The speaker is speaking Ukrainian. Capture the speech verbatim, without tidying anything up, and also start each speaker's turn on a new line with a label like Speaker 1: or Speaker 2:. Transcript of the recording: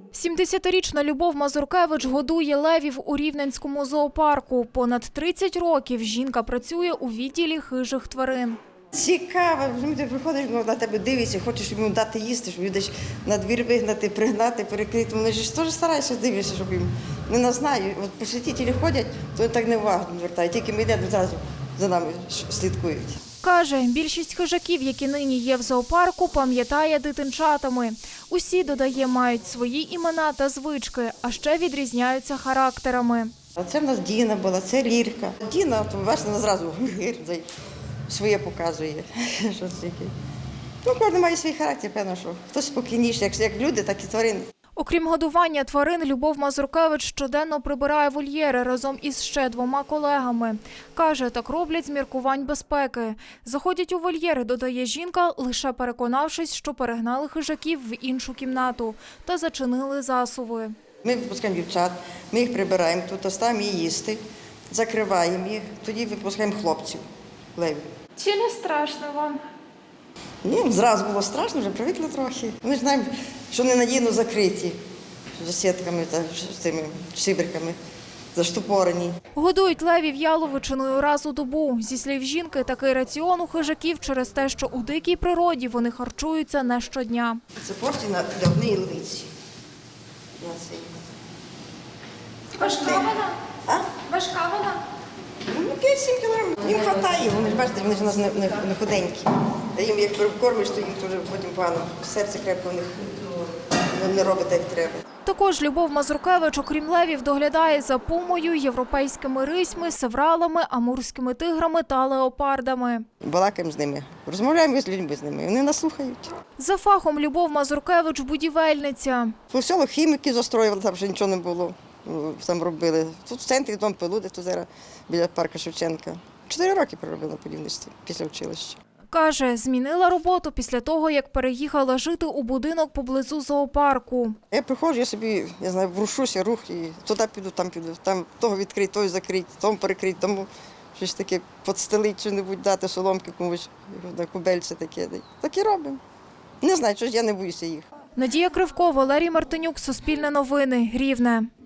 Speaker 1: сімдесятирічна Любов Мазуркевич годує левів у Рівненському зоопарку. Понад тридцять років жінка працює у відділі хижих тварин.
Speaker 2: Цікаво, ти приходиш, на тебе дивиться, хочеш йому дати їсти, щоб десь на двір вигнати, пригнати, перекрити. Вони ж теж стараються дивитися, щоб їм не нас знають. От посетителі ходять, то так не увагу звертають. Тільки ми йдемо, зразу за нами слідкують.
Speaker 1: Каже, більшість хижаків, які нині є в зоопарку, пам'ятає дитинчатами. Усі, додає, мають свої імена та звички, а ще відрізняються характерами.
Speaker 2: А це в нас Діна була, це Лірка. Діна, то бачите, вона зразу своє показує. Що це таке. Ну, кожен має свій характер, певно, що хтось спокійніший, як люди, так і тварини.
Speaker 1: Окрім годування тварин, Любов Мазуркевич щоденно прибирає вольєри разом із ще двома колегами. Каже, так роблять з міркувань безпеки. Заходять у вольєри, додає жінка, лише переконавшись, що перегнали хижаків в іншу кімнату та зачинили засуви.
Speaker 2: Ми випускаємо дівчат, ми їх прибираємо, тут оставимо їх їсти, закриваємо їх, тоді випускаємо хлопців, левів.
Speaker 1: Чи не страшно вам?
Speaker 2: Ні, зразу було страшно, вже привикли трохи. Ми ж знаємо, що ненадійно закриті, за сітками та з тими шиберками, заштопорені.
Speaker 1: Годують левів яловичиною раз у добу. Зі слів жінки, такий раціон у хижаків через те, що у дикій природі вони харчуються не щодня.
Speaker 2: Це порції для однієї левиці.
Speaker 1: Важка вона?
Speaker 2: А?
Speaker 1: Важка вона?
Speaker 2: Ну, п'ять-сім кілограмів. Їм вистачає, вони ж бачите, вони ж у нас не, не, не худенькі. А їм як перекормиш, то їм дуже потім погано. Серце крепко у них не робить, як треба.
Speaker 1: Також Любов Мазуркевич, окрім левів, доглядає за пумою, європейськими рисьми, севралами, амурськими тиграми та леопардами.
Speaker 2: Балакаємо з ними, розмовляємо з людьми з ними, вони нас слухають.
Speaker 1: За фахом Любов Мазуркевич – будівельниця.
Speaker 2: По селу хіміки застроювали, там вже нічого не було. Там робили. Тут в центрі дом Пелуди, тут зараз біля парка Шевченка. Чотири роки проробила на будівництві після училища.
Speaker 1: Каже, змінила роботу після того, як переїхала жити у будинок поблизу зоопарку.
Speaker 2: Я приходжу, я собі, я знаю, врушуся, рух, і туди піду, там піду, там того відкрити, того закрити, тому перекрити, тому щось таке підстелити, що-небудь дати, соломки комусь, на кубельце таке. Так і робимо. Не знаю, що ж я не боюся їх.
Speaker 1: Надія Кривко, Валерій Мартинюк, Суспільне новини, Рівне.